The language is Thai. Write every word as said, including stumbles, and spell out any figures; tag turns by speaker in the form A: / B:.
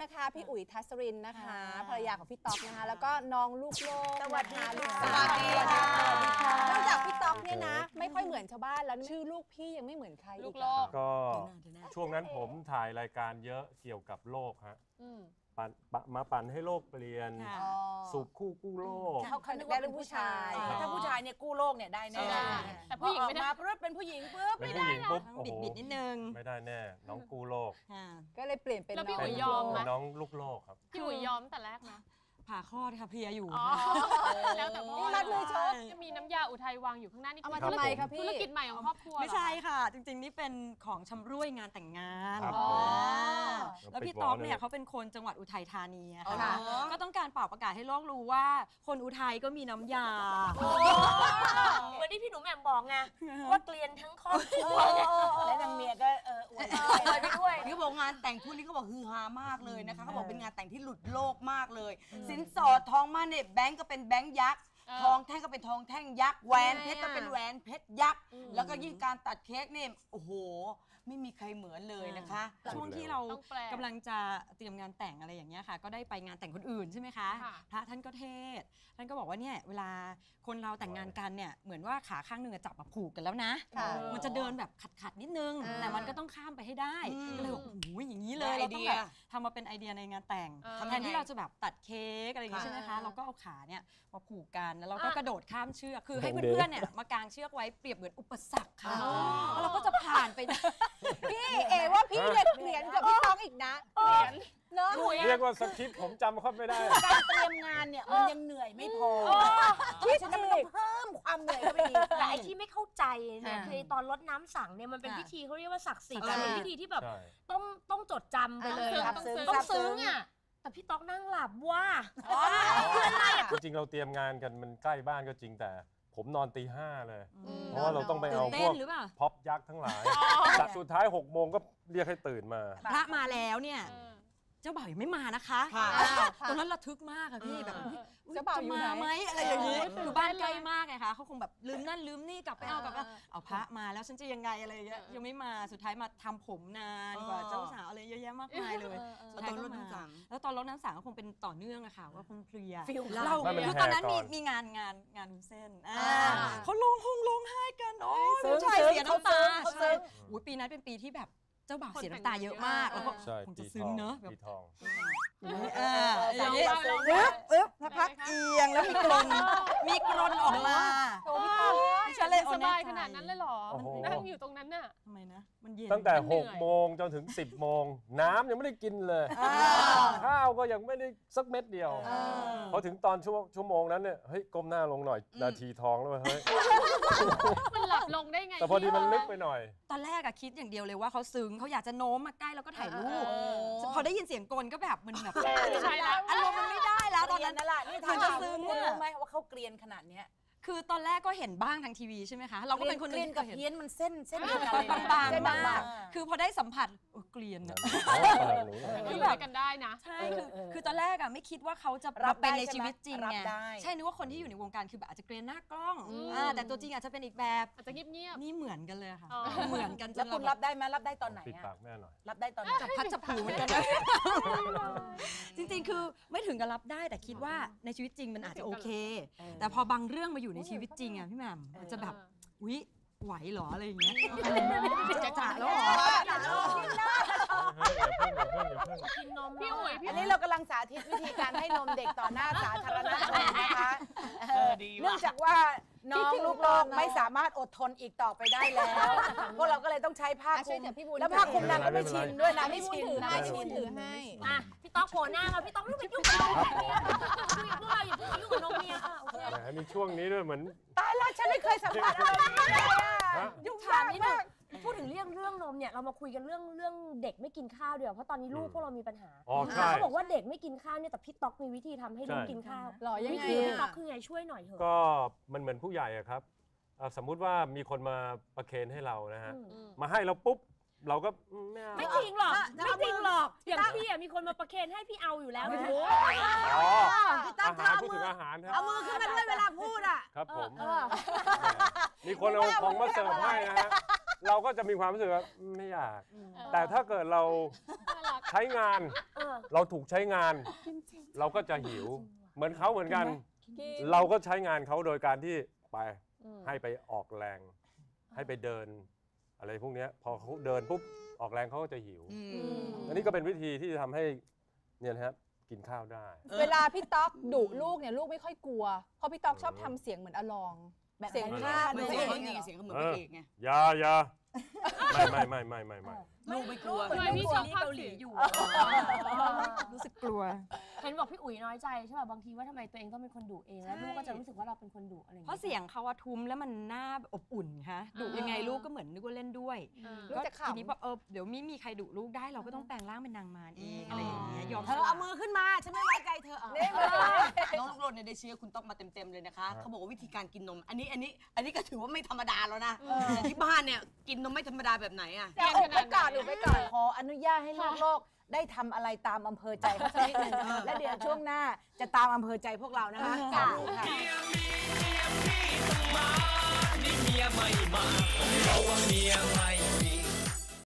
A: นะคะพี่อุ๋ยทัศรินนะคะภรรยาของพี่ต๊อกนะคะแล้วก็น้องลูกโลกสวัสดีลูกสาวนอกจากพี่ต๊อกเนี่ยนะไม่ค่อยเหมือนชาวบ้านแล้วชื่อลูกพี่ยังไม่เหมือนใครลูกโลก
B: ก็ช่วงนั้นผมถ่ายรายการเยอะเกี่ยวกับโลกฮะมาปั่นให้โลกเปลี่ยนสูบคู่กู้โลก
A: เขาเขาได้เรื่องผู้ชายถ้าผู้ชายเนี่ยกู้โลกเนี่ยได้แน่
C: แต่ผู้หญิงไม่ได้
A: ปุ๊บเป็นผู้หญิงปุ๊บ
B: ไม่ได้ปุ๊บ
D: บิดบิดนิดนึง
B: ไม่ได้แน่น้องกู้โลก
A: ก็เลยเปลี่ยนเป็น
C: พี่อุ๋ยยอมไหม
B: น้องลูกโลกครับ
C: พี่อุ๋ยยอมแต่แรกนะ
D: ผ่าคลอดค่ะเพลียอยู่
C: แล้วแต่พ่อ
A: มัดเลยชก
C: จะมีน้ำยาอุทัยวางอยู่ข้างหน้านี่
A: เอามาทำไมคะพี่
C: ธุรกิจใหม่ของครอบครัว
D: ไม่ใช่ค่ะจริงๆนี่เป็นของชำร่วยงานแต่งงานแล้วพี่ต๊อกเนี่ยเขาเป็นคนจังหวัดอุทัยธานีค่ะก็ต้องการเป่าประกาศให้โลกรู้ว่าคนอุทัยก็มีน้ำยา
E: เหมือนที่พี่หนูแหม่มบอกไงว่าเกลียนทั้งครอบครัว
A: และนางเมียก็เอออวย
E: ไปด้วย
F: นี่บอกงานแต่งคู่นี้เขาบอกฮือฮามากเลยนะคะเขาบอกเป็นงานแต่งที่หลุดโลกมากเลยสินสอดทองมั่นเนี่ยแบงก์ก็เป็นแบงก์ยักษ์ทองแท่งก็เป็นทองแท่งยักษ์แหวนเพชรก็เป็นแหวนเพชรยักษ์แล้วก็ยิ่งการตัดเค้กเนี่ยโอ้โหไม่มีใครเหมือนเลยนะคะ
D: ช่วงที่เรากำลังจะเตรียมงานแต่งอะไรอย่างเงี้ยค่ะก็ได้ไปงานแต่งคนอื่นใช่ไหมคะพระท่านก็เทศท่านก็บอกว่าเนี่ยเวลาคนเราแต่งงานกันเนี่ยเหมือนว่าขาข้างหนึ่งจับมาผูกกันแล้วนะมันจะเดินแบบขัดๆนิดนึงแต่มันก็ต้องข้ามไปให้ได้ก็เลยบอกโอ้โหอย่างนี้เลยเราต้องแบบทำมาเป็นไอเดียในงานแต่งแทนที่เราจะแบบตัดเค้กอะไรอย่างงี้ใช่ไหมคะเราก็เอาขาเนี่ยมาผูกกันแล้วเราก็กระโดดข้ามเชือกคือให้เพื่อนๆเนี่ยมากางเชือกไว้เปรียบเหมือนอุปสรรคค่ะแล้วเราก็จะผ่านไป
A: พี่เอว่าพี่เนี่ยเขียนกับพี่ต๊อกอีกนะเขียน
B: เนาะเรียกว่าสคริปต์ผมจำเขาไม่ได้
F: การเตรียมงานเนี่ยมันยังเหนื่อยไม่พอ
A: ที่ฉันต้องเพิ่มความเหนื่อยเข้าไปอีก
E: แต่ไอ้ที่ไม่เข้าใจเนี่ยคือตอนรดน้ำสังเนี่ยมันเป็นพิธีเขาเรียกว่าศักดิ์สิทธิ์เป็นพิธีที่แบบต้องต้องจดจำไปเลยต้องซึ้งอ่ะแต่พี่ต๊อกนั่งหลับว่า
B: จริงๆเราเตรียมงานกันมันใกล้บ้านก็จริงแต่ผมนอนตีห้าเลยเพราะว่าเราต้องไปเอาพวกพ็อปยักษ์ทั้งหลายแต่สุดท้ายหกโมงก็เรียกให้ตื่นมา
D: พระมาแล้วเนี่ยเจ้าบ่าวยังไม่มานะคะตอนนั้นระทึกมากอะพี่แบบ
A: เจ้าบ่าวจะ
D: มาไหมอะไรอย่างนี้อยู่บ้านใกล้มากไงคะเขาคงแบบลืมนั่นลืมนี่กลับไปเอากลับมาเอาพระมาแล้วฉันจะยังไงอะไรอย่างเงี้ยยังไม่มาสุดท้ายมาทำผมนานกว่าเจ้าสาวอะไรเยอะแยะมากมายเลย
F: ตอนรดน้ำสัง
D: แล้วตอนรดน้ำสังก็คงเป็นต่อเนื่องอะค่ะว่าคงเพลีย
B: เรา
D: คือตอนนั้นมีมีงานงานงานวุ้นเส้นเขาลงหงลงไห้กันโอ้ยผู้ชายเสียน้ำตาอุ้ยปีนั้นเป็นปีที่แบบเจ้าบ่าวเสียน้ำตาเยอะมากแล้วก็คงจะซึ้งเนอะแบบอย่างนี้ปึ๊บปึ๊บพักเอียงแล้วมีกรนมีกรนออกมา
C: โอ้พี่ฉันเลยสบายขนาดนั้นเลยหรอนั่งอยู่ตรงนั้นน่ะ
D: ทำไมนะมันเย็น
B: ตั้งแต่หกโมงจนถึงสิบโมงน้ำยังไม่ได้กินเลยข้าวก็ยังไม่ได้สักเม็ดเดียวพอถึงตอนชั่วชั่วโมงนั้นเนี่ยเฮ้ยก้มหน้าลงหน่อยนาทีทองแล้วเฮ้ย
C: มันหลับลงได้ไง
B: แต่พอดีมันลึกไปหน่อย
D: ตอนแรกอะคิดอย่างเดียวเลยว่าเขาซึ้งเขาอยากจะโน้มมาใกล้แล้วก็ถ่ายรูปพอได้ยินเสียงกลก็แบบมันแบบ
C: ใช่แล้ว
D: อารมณ์มันไม่ได้แล้วตอนนั้น
A: นั่นแหละนี่ทางซึ้งคุณรู้ไหมว่าเขาเกลียนขนาดเนี้ย
D: คือตอนแรกก็เห็นบ้างทางทีวีใช่ไหมคะเราก็เป็นคน
A: เกลียนกับเพี้ยนมันเส้นเส้น
D: บางๆมากคือพอได้สัมผัสเกลียน
C: คือแบบกันได้นะ
D: ใช่คือคือตอนแรกอะไม่คิดว่าเขาจะรับเป็นในชีวิตจริงไงใช่นึกว่าคนที่อยู่ในวงการคือแบบอาจจะเกลียนหน้ากล้องแต่ตัวจริงอาจจะเป็นอีกแบบ
C: อาจจะเงียบ
D: ๆนี่เหมือนกันเลยค่ะเหมือนกัน
A: แล้วคุณรับได้ไหมรับได้ตอนไหน
B: ปิดปากแม่หน่อย
A: รับได้ตอน
D: จับพัดจับผูเหมือนกันจริงๆคือไม่ถึงกับรับได้แต่คิดว่าในชีวิตจริงมันอาจจะโอเคแต่พอบางเรื่องมาอยู่ในชีวิตจริงอะพี่แหม่มมันจะแบบอุ๊ยไหวหรออะไรอย่างเงี้ยจะจ่าแล้วหรอ
C: กินนมพี่อุ๋ย
A: อันนี้เรากำลังสาธิตวิธีการให้นมเด็กต่อหน้าสาธารณชนนะคะเนื่องจากว่าน้องลูกโลกไม่สามารถอดทนอีกต่อไปได้แล้วพวกเราก็เลยต้องใช้ผ้าคลุมแล้วผ้าคลุมนางก็ไม่ชินด้วยนะไม่ชินนะไม่ชินถือให้
E: อ่ะพี่ต๊อกโผล่หน้ามาพี่ต๊อกไม่ไปยุ่งกับนมเมียพวกเราอย่าไปยุ่งกับนมเมียอ่ะโอเค
B: มีช่วงนี้ด้วยเหมือน
A: ตายแล้วฉันไม่เคยสัมผัสอะไรนี้เลยอ่ะ
E: ยุ่งถามนิดนึงพูดถึงเรื่องเรื่องนมเนี่ยเรามาคุยกันเรื่องเรื่องเด็กไม่กินข้าวเดี๋ยวเพราะตอนนี้ลูกพวกเรามีปัญหาเขาบอกว่าเด็กไม่กินข้าวเนี่ยแต่พี่ต๊อกมีวิธีทำให้ลูกกินข้าว
A: หรอยังไง
E: พี่ต๊อกคือไงช่วยหน่อยเถอะ
B: ก็มันเหมือนผู้ใหญ่อะครับสมมุติว่ามีคนมาประเคนให้เรานะฮะมาให้เราปุ๊บเราก็
E: ไม่จริงหรอกไม่จริงหรอกอย่างพี่มีคนมาประเคนให้พี่เอาอยู่แล้วโอ้โห
B: อาหารพูดถึงอาหารครับ
A: เอามือขึ้นมาด้วยเวลาพูดอ่ะ
B: ครับผมมีคนเอาของมาเสิร์ฟให้นะฮะเราก็จะมีความรู้สึกว่าไม่อยากแต่ถ้าเกิดเราใช้งานเราถูกใช้งาน เราก็จะหิวเหมือนเขาเหมือนกัน เราก็ใช้งานเขาโดยการที่ไปให้ไปออกแรงให้ไปเดินอะไรพวกนี้พอเขาเดินปุ๊บออกแรงเขาก็จะหิวอันนี้ก็เป็นวิธีที่จะทำให้เนี่ยนะครับกินข้าวได้
G: เวลาพี่ต๊อกดุลูกเนี่ยลูกไม่ค่อยกลัวเพราะพี่ต๊อกชอบทำเสียงเหมือนอลองเสียงข้า
F: เสียงเขาเสียงเขาเหมือนพระเอกไง
B: ยายาไม่ไม่ไม่ไม่ไม่ไม่
F: ลูกไม่กลัว
C: ทำไมพี่ชอบภาคเสียงอยู่
D: รู้สึกกลัว
E: เห็นบอกพี่อุ๋ยน้อยใจใช่ป่ะบางทีว่าทำไมตัวเองต้องเป็นคนดุเองแล้วลูกก็จะรู้สึกว่าเราเป็นคนดุอะไรอย่าง
D: เพราะ
E: เงี้ย
D: เสียงเขาอะทุ้มแล้วมันน่าอบอุ่นค่ะดุยังไงลูกก็เหมือนนึกว่าเล่นด้วย
G: ลูกจะขำ
D: ทีนี้พอเออเดี๋ยวไม่มีใครดุลูกได้เราก็ต้องแปลงร่างเป็นนางมารเองอะไรอย่างเงี้ยยอม
A: เธอเอามือขึ้นมาฉันไม่ไว้ใจเธอเอา
F: น้องลูกโลดเนี่ยได้เชื้อคุณต้องมาเต็มๆเลยนะคะเขาบอกว่าวิธีการกินนมอันนี้อันนี้อันนี้ก็ถือว่าไม่ธรรมดาแล้วนะแต่ที่บ้านเนี่ยกินนมไม่ธรรมดาแบบไหนอะ
A: แต่อุบไปก่อนอุบไปก่อนขออนุญาตให้ลูกโลกได้ทำอะไรตามอำเภอใจเขาสักนิดหนึ่งแล้วเดี๋ยวช่วงหน้าจะตามอำเภอใจพวกเรานะคะค่ะ